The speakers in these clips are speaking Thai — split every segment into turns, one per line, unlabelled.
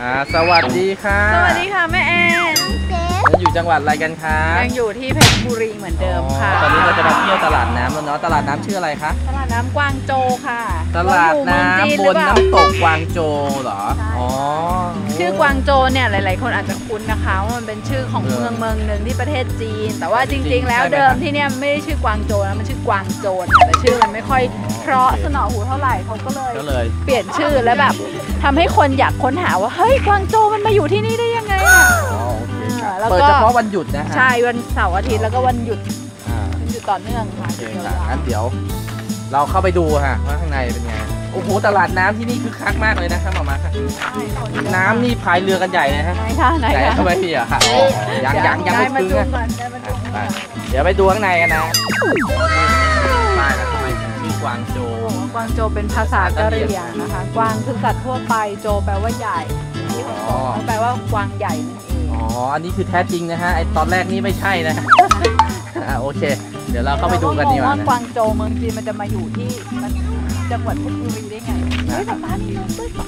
สวัสดีค่ะ
สวัสดีค่ะแม่แอน
ยังอยู่จังหวัดอะไรกันคะ
ยังอยู่ที่เพชรบุรีเหมือนเดิมค่ะ
ตอนนี้เราจะมาเที่ยวตลาดน้ำแล้วเนาะตลาดน้ำชื่ออะไรคะ
ตลาดน้ำกวางโจค่ะ
ตลาดน้ำบนน้ำตกกวางโจเหรออ๋อ
ชื่อกวางโจเนี่ยหลายๆคนอาจจะคุ้นนะคะว่ามันเป็นชื่อของเมืองหนึ่งที่ประเทศจีนแต่ว่าจริงๆแล้วเดิมที่เนี่ยไม่ได้ชื่อกวางโจนะมันชื่อกวางโจนแต่ชื่อมันไม่ค่อยเพราะสนอหูเท่าไหร่เขาก็เลยเปลี่ยนชื่อแล้วแบบทำให้คนอยากค้นหาว่าเฮ้ยกวางโจมันมาอยู่ที่นี่ได้ยังไงอ่ะ
เปิดเฉพาะวันหยุดนะ
ใช่วันเสาร์อาทิตย์แล้วก็วันหยุดต่อเนื่องค่ะ
งั้นเดี๋ยวเราเข้าไปดูค่ะว่าข้างในเป็นไงโอ้โหตลาดน้ำที่นี่คึกคักมากเลยนะครับมาค่ะน้ำนี่พายเรือกันใหญ่เลยฮะ
ไหนคะ
ทำไมพี่อะค่ะยังไม่ถึงนะเดี๋ยวไปดูข้างในกันนะป้ายแล้วทำไมชื่อกวางโจ
กวางโจเป็นภาษากะเหรี่ยงนะคะกวางคือสัตว์ทั่วไปโจแปลว่าใหญ่ที่เขาแปลว่ากวางใหญ่นั่นเอง
อ๋ออันนี้คือแท้จริงนะฮะไอตอนแรกนี่ไม่ใช่นะโอเคเดี๋ยวเราเข้าไปดูกันดีกว่า
นะกวางโจเมืองจีนมันจะมาอยู่ที่จังหวัดเพชรบุรีได้ไงเฮ้ยป้านี่นกด้วยป้า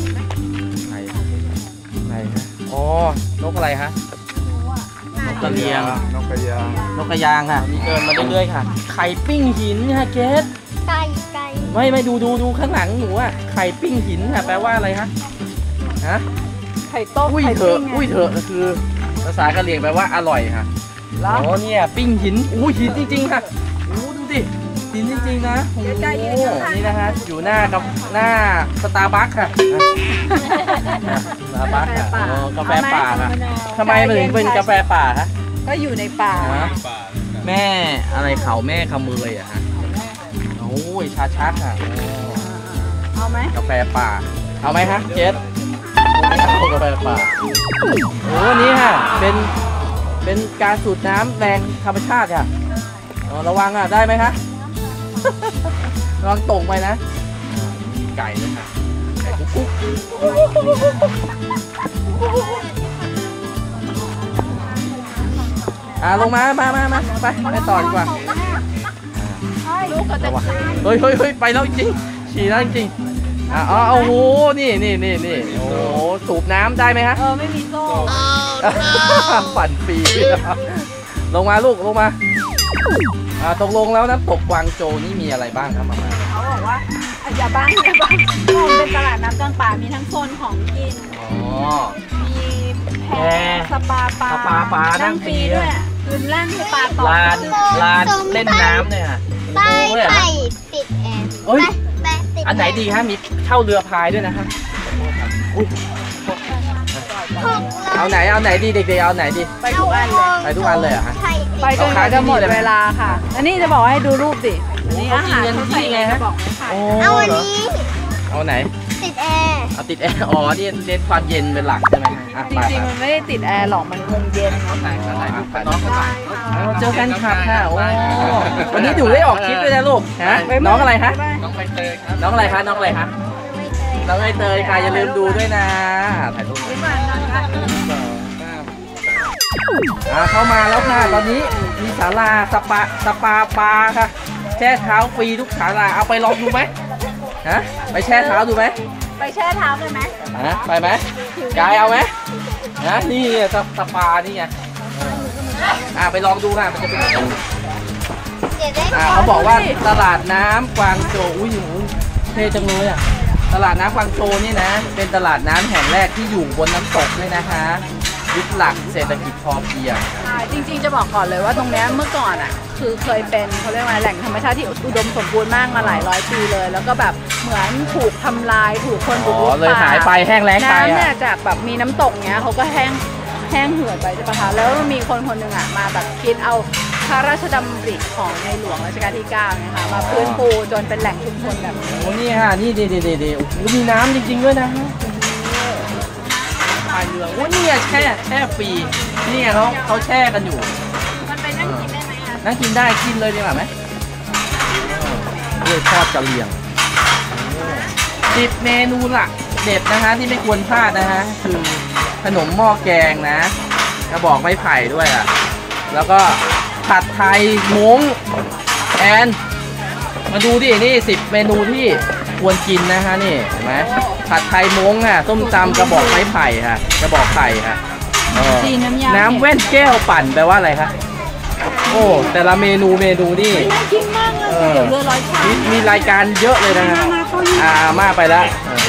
ไหนฮะอ๋อนกอะไรฮะนกกระเรียง
นกกระยาง
ค่ะมีเดินมาเรื่อยๆค่ะไข่ปิ้งหินค่ะเกส
ไก่
ไม่ดูข้างหลังหนูอะไข่ปิ้งหินค่ะแปลว่าอะไรฮะ
ไข่ต้ม
อุ้ยเถอะคือภาษากะเหรี่ยงแปลว่าอร่อยค่ะอ๋อเนี่ยปิ้งหินอู้หินจริงๆค่ะอู้ดูดิหินจริงๆนะโอ้นี่นะฮะอยู่หน้สตาร์บัคค่ะสตาร์บัคค่ะกาแฟป่าค่ะทำไมมันถึงเป็นกาแฟป่าฮะ
ก็อยู่ในป่า
แม่อะไรเขาแม่ขมืออะฮะโอ้ยชาชักค่ะ
เอาไหม
กาแฟป่าเอาไหมฮะเจสกาแฟป่าโอ้นี่ค่ะเป็นการสูดน้ำแรงธรรมชาติค่ะระวังอ่ะได้ไหมคะระวังตกไปนะไก่เลยค่ะไก่กุ๊กลงมาไปต่อดีกว่าเฮ้ยไปแล้วจริงฉี่แล้วจริงโอ้โหนี่โอ้โหสูบน้ำได้ไหมฮะ
ไม่มีโซ่
ปั่นปีลงมาลูกลงมาตกลงแล้วน้ำตกกวางโจนี่มีอะไรบ้างครับมา
เขาบอกว่าอย่าบ้างเป็นตลาดน้ำกลางป่ามีทั้งโซนของกินมีแพสปาปลานั่งฟรีด้วยคืนแล่นสปาต่อ
ลานเล่นน้ำเนี่ย
ไปติดแอร์
อันไหนดีฮะมีเช่าเรือพายด้วยนะฮะเอาไหนดีเด็กๆเอาไหนดี
ไปทุกอั
นเลยเหรอฮะ
ไปจนจะหมดเวลาค่ะอันนี้จะบอกให้ดูรูปดินี่อาหารเขาใส่ไงฮะ
เอาอันนี้
เอาไหน
ติดแอร์
ติดแอร์อ๋อนี่เน้นความเย็นเป็นหลักใช่ไหม
จริงๆมันไม่ได้ติดแอร์หรอกมันคงเย็น
เจอกันครับค่ะโอ้วันนี้ดูได้ออกคลิปด้วยนะลูกฮะน้องอะไรฮะ
น้องใบเตย
ครับน้องอะไรคะน้องใบเตยค่ะอย่าลืมดูด้วยนะถ่ายรูปเข้ามาแล้วค่ะตอนนี้มีศาลาสปาปลาค่ะแช่เท้าฟรีทุกศาลาเอาไปลองดูไหมไปแช่เท้าดูไหม
ไปแช่เท้าเลยไหม
ไปไหมกายเอาไหมนี่สปานี่ไงไปลองดูค่ะมันจะเป็นเขาบอกว่าตลาดน้ำกวางโจอุ้ยเท่จังเลยตลาดน้ำกวางโจนี่นะเป็นตลาดน้ำแห่งแรกที่อยู่บนน้ำตกเลยนะคะยึดหลักเศรษฐกิจพอเพียง
จริงๆจะบอกก่อนเลยว่าตรงนี้เมื่อก่อนคือเคยเป็นเขาเรียกว่าแหล่งธรรมชาติที่อุดมสมบูรณ์มากมาหลายร้อยปีเลยแล้วก็แบบเหมือนถูกทำลายถูกคนบุกรุก
เลยหายไปแห้งแล้งไป
น้ำเนี่ยจากแบบมีน้ำตกเนี้ยเขาก็แห้งเหือดไปใช่ปะคะแล้วมีคนหนึ่งมาแบบคิดเอาพระราชดำริของในหลวงรัชกาลที่9นะคะมาฟื้นฟูจนเป็นแหล่งชุมชนแบบนี้
นี่ค่ะนี่ดีโอ้โหมีน้ำจริงๆด้วยนะพายเรือโอ้นี่แช่ฟรีนี่เขาแช่กันอยู่
มันไปนั่งกินได้ไหม
นั่งกินได้กินเลยดีกว่าไหมด้วยทอดกะเหรี่ยง10 เมนูหลักเด็ดนะฮะที่ไม่ควรพลาดนะฮะคือขนมหม้อแกงนะกระบอกไม้ไผ่ด้วยแล้วก็ผัดไทยม้งแอนมาดูดินี่10 เมนูที่ควรกินนะฮะนี่เห็นไหมผัดไทยม้งค่ะส้มตำกระบอกไม้ไผ่ค่ะกระบอกไผ่ค่ะ
จีนน้ำยา
น้ำแว่นแก้วปั่นแปลว่าอะไรคะโอ้แต่ละเมนูนี่
น่ากินมากเลยเดี๋ยวเรือร้อยชาม
มีรายการเยอะเลยนะฮะมากไปแล้ว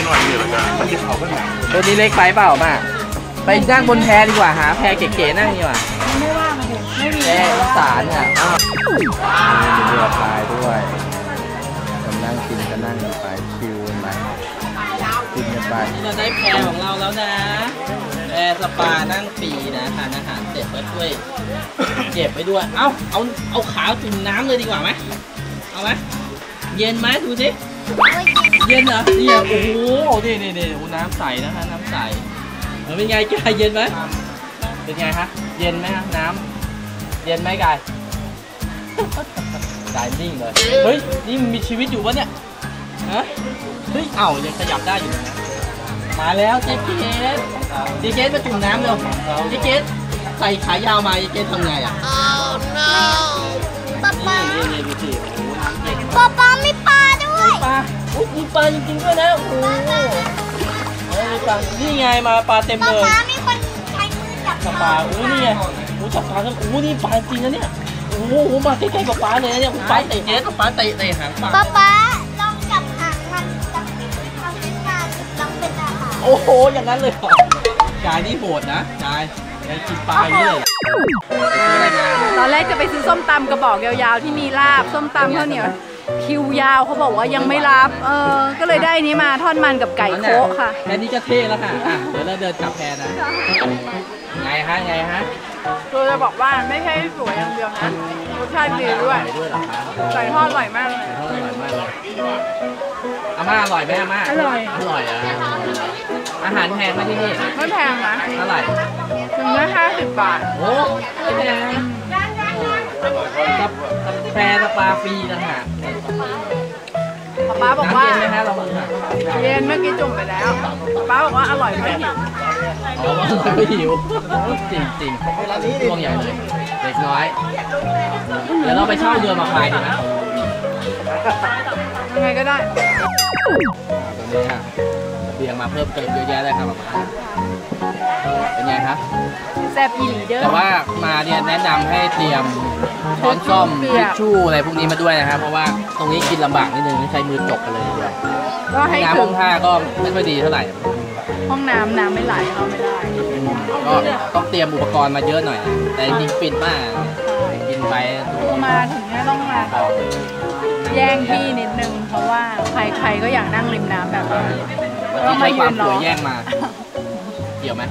ตัวนี้เล็กไปเปล่ามาไปนั่งบนแพดีกว่าหาแพเก๋ๆนั่งดีกว่า
ไม่ว่างเลยไม่มี
แพอีสานค่ะมีเรือพายด้วยกำลังกินก็นั่งกันไปชิวกันไปกินกันไปนี่เราได้แพของเราแล้วนะแพสปานั่งฟรีนะทานอาหารเสร็จก็ช่วยเก็บไปด้วยเอาขาจุ่มน้ำเลยดีกว่าไหมเอาไหมเย็นไหมดูสิเย็นเหรอนี่โอ้โหนี่น้ำใสนะคะน้ำใสเป็นไงกายเย็นไหมเป็นไงฮะเย็นไหมฮะน้ำเย็นไหมกายกายนิ่งเลยเฮ้ยนี่มันมีชีวิตอยู่ปะเนี่ยฮะเฮ้ยยังขยับได้อยู่นะมาแล้วเจ๊เกสมาจุ่มน้ำเร็วเจ๊เกสใส่ขายาวมาเจ๊เกสทำไงอ่ะ
ป๊าป๊า
นี่ดูสิโอ้โหน้ำเย็น
ป๊าป๊ามีปลาด้วย
ปลาอุ๊ยมีปลาจริงๆด้วยนะโอ้โหมีปลานี่ไงมาปลาเต็ม
ป๊า
เลย
ป๊ามีคนใช้มือจับ
จับปลานี่ไงจับปลากันนี่ปลาจริงนะเนี่ยโอ้โหมาใกล้ๆกับปลาเลยนะเนี่ยปลาเตะเจ๊ปลาเตะหางปลา
ป๊าป๊าลองจับหางมันจับทำเป็นการลองเป็นอาหาร
โอ้โหอย่างนั้นเลยเหรอกายนี่โหดนะกายกินปลาอย่างนี้เลยอะไรมา
ตอนแรกจะไปซื้อส้มตำกระบอกยาวๆที่มีลาบส้มตำข้าวเหนียวคิวยาวเขาบอกว่ายังไม่รับก็เลยได้นี้มาทอดมันกับไก่โคะค่ะ
แค่นี้ก็เท่แล้วค่ะเดี๋ยวเราเดินกลับแพนะไงฮะ
คือจะบอกว่าไม่ใช่สวยอย่างเดียวนะรสชาติดีด้วย
ด้วยเหรอคะ
ไก่ทอดอร่อยมากเลย
อร่อยมากเลยอาม่าอร่อยไหมอาม่า
อร่อย
อร่อยอ่ะอาหารแพงไหมที่นี่
ไม่แพงนะ
เท่าไหร่
ถึงละ50 บาท
โอ้ไม่แพงกับแพรสปาฟรีนะฮะ
ป๊าบอกว่า
น้ำเย็นไหมฮะเราค่ะ
เย็นเมื่อกี้จุ่มไปแล้วป๊าบอกว่าอร่อยไม่หิว
อ๋อไม่หิวจริงช่วงใหญ่เลยเด็กน้อยเดี๋ยวเราไปเช่าเรือมาพายดีไหม
ยังไงก็ได้
ตอนนี้ฮะเบียงมาเพิ่มเติมเยอะแยะเลยครับเป็นไงครับ
แซ่บอีหลีเด้อ
แต่ว่ามาเนี่ยแนะนำให้เตรียมช้อนส้อมทิชชู่อะไรพวกนี้มาด้วยนะครับเพราะว่าตรงนี้กินลำบากนิดนึงใช้มือจกกันเลยทีเดียว
ก็ให้
น้ำ
ถึ
ห้อง งท่าก็ไม่ค่อยดีเท่าไหร่
ห้องน้ำไม่ไหลเข้าไม่ได้
ก็ต้องเตรียมอุปกรณ์มาเยอะหน่อย แต่จริงๆปิดมากกินไปดู
คือมาถึงเนี่ยต้องมาแย่งที่นิดนึง เพราะว่าใครๆก็อยากนั่งริมน้ำแบบนี้
ที่ใช้ความสวยแย่งมาเกี่ยวไหม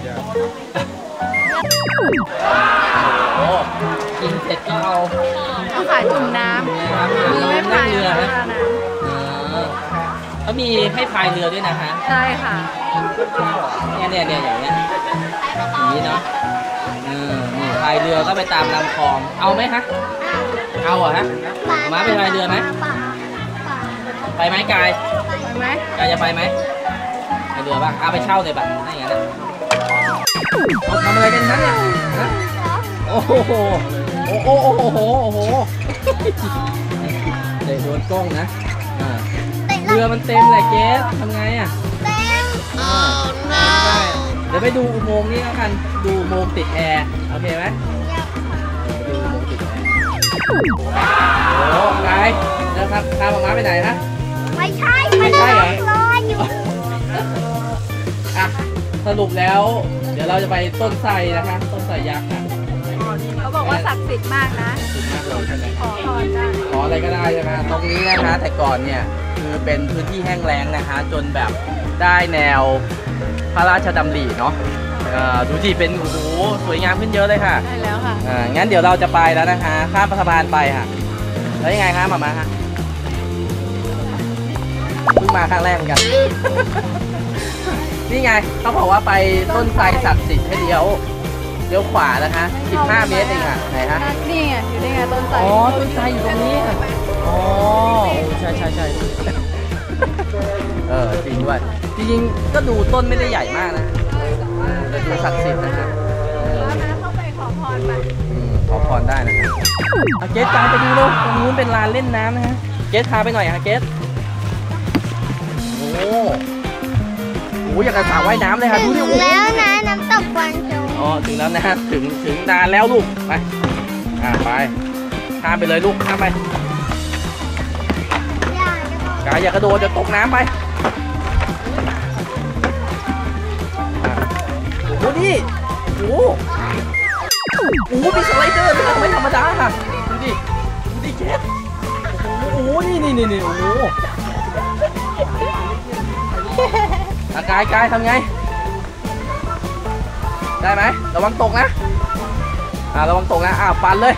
โอ้กินเสร็จก็เอา
ต้องขายจุ่มน้ำมือไม่พาย
เรือ
นะ
ฮะเขามีให้พายเรือด้วยนะฮะ
ใช่ค่ะ
เนี่ยอย่างเงี้ยอย่างนี้เนาะนี่พายเรือก็ไปตามลำคลองเอาไหมฮะเอาเหรอฮะมาไปพายเรือไหมไปไหมกาย
ไปไหม
กายจะไปไหมไปเรือบ้างเอาไปเช่าเลยป่ะถ้าอย่างนั้นนะเอาทำอะไรกันนั้นเนี่ยฮะโอ้โหเตะโดนกล้องนะเรือมันเต็มเลยเกสทำไงอ่ะ
เต็ม
เดี๋ยวไปดูอุโมงค์นี้แล้วกันดูอุโมงค์ติดแอร์โอเคไหมดูอุโมงค์ติดแอร์โอ้กายแล้วครับพาหมาไปไหนฮะ
ไม่ใช่
ไม่ใช่เหรอ
รออยู่
อ่ะสรุปแล้วเดี๋ยวเราจะไปต้นไทรนะคะต้นไทรยักษ์ค่ะ
เขาบอกว่าศักดิ์สิทธิ์มากนะ
สุดมากเลยใช่ไหม
ขอพรได้
ขออะไรก็ได้ใช่ไหมตรงนี้นะคะแต่ก่อนเนี่ยคือเป็นพื้นที่แห้งแล้งนะคะ จนแบบได้แนวพระราชดำริเนาะดูที่เป็นโอ้โหสวยงามขึ้นเยอะเลยค่ะ
ได้แล้วค่ะ
งั้นเดี๋ยวเราจะไปแล้วนะคะข้ามสะพานไปค่ะแล้วยังไงคะมาฮะเพิ่งมาครั้งแรกเหมือนกัน นี่ไงเขาบอกว่าไปต้นไทรศักดิ์สิทธิ์ให้เลี้ยวขวานะคะ15 เมตรเองค่ะไหนฮะ
นี่ไงอยู่ได้ไงต้นไทร
อ๋อต้นไทรอยู่ตรงนี้ค่ะอ๋อใช่จริงด้วยจริงๆก็ดูต้นไม่ได้ใหญ่มากนะแต่ดูศักดิ์สิทธิ์นะครับ
แล้วนะเข้าไปขอพรไป
ขอพรได้นะครับเกสตามไปดูเลยตรงนู้นเป็นลานเล่นน้ำนะฮะเกสพาไปหน่อยฮะเกสโอ้อยากจะสระว่ายน้ำเลยค่ะดูดิ
ถึงแล้วนะน้ำตกกวางโจว
อ๋อถึงแล้วนะถึงนานแล้วลูกไปไปข้ามไปเลยลูกข้ามไป
อย่าจะบอก
กายอย่ากระโดดจะตกน้ำไปโอ้โหนี่โอ้โหมีสไลเดอร์ด้วยไม่ธรรมดาค่ะดูดิเจ๊โอ้โหนี่โอ้โหกายทำไงได้ไหมระวังตกนะระวังตกนะปั่นเลย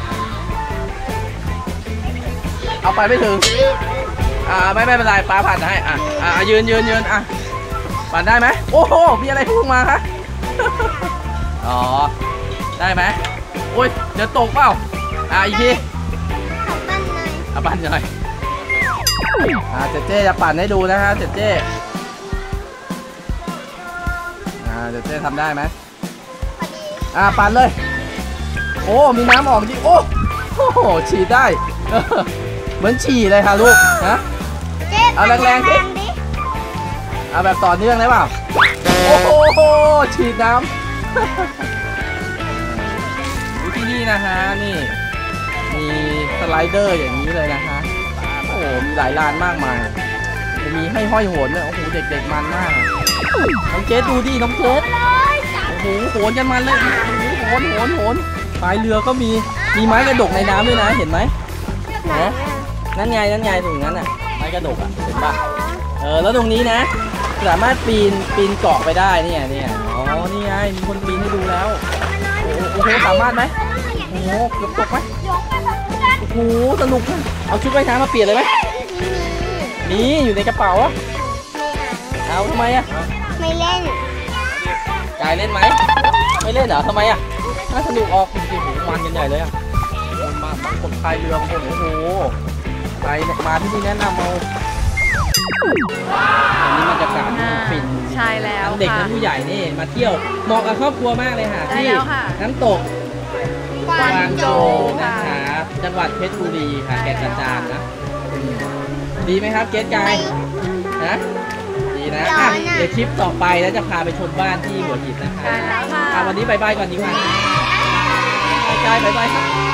เอาไปไม่ถึงไม่เป็นไรป้าผ่านให้ยืนปั่นได้ไหมโอ้โหมีอะไรพุ่งมาคะอ๋อได้ไหมโอ้ยเดี๋ยวตกเปล่าอีกที
ขับบ้านหน่อย
ปั่นหน่อยเจ๊จะปั่นให้ดูนะฮะเจ๊ทำได้ไหม
พอดี
ปั่นเลยโอ้มีน้ำออกจริงโอ้โหฉีดได้เหมือนฉี่เลยค่ะลูกนะ
เจ๊
เอาแรงๆสิ
ดิ
เอาแบบต่อเนื่องได้เปล่าโอ้โหฉีดน้ำที่นี่นะฮะนี่มีสไลเดอร์อย่างนี้เลยนะฮะโอ้โหมีหลายลานมากมายมีให้ห้อยโหนด้วยโอ้โหเด็กๆมันมากน้องเจสดูดิน้องเจสโอ้โหโหนกันมันเลยโหนพายเรือก็มีไม้กระดกในน้ำด้วยนะเห็นไหมนั่นไงตรงนั้นน่ะไม้กระดกเห็นปะแล้วตรงนี้นะสามารถปีนเกาะไปได้เนี่ยอ๋อนี่ไงมีคนปีนให้ดูแล้วโอ้โหสามารถไหมโอ้โหเกือบตกไหมโอ้โหสนุกเอาชุดว่ายน้ำมาเปลี่ยนเลยไหมนี่อยู่ในกระเป๋าเอาทำไม
ไม่เล่น
กายเล่นไหมไม่เล่นเหรอทำไมน่าสนุกออกจริงๆมันกันใหญ่เลยมาคนพายเรือโอ้โหไปมาที่นี่แนะนำเอาอันนี้บรรยากาศฟิน
ใช่แล้ว
ทั้งเด็กทั้งผู้ใหญ่นี่มาเที่ยวเหมาะกับครอบครัวมากเลยค่ะที่น้ำตกกวางโจวนะคะจังหวัดเพชรบุรีค่ะแก่งกระจานนะดีไหมครับเกสกายนะดีนะเดี๋ยวคลิปต่อไปแล้วจะพาไปชมบ้านที่หัวหินนะคะวันนี้บายบายก่อนดีกว่ากายบายบายครับ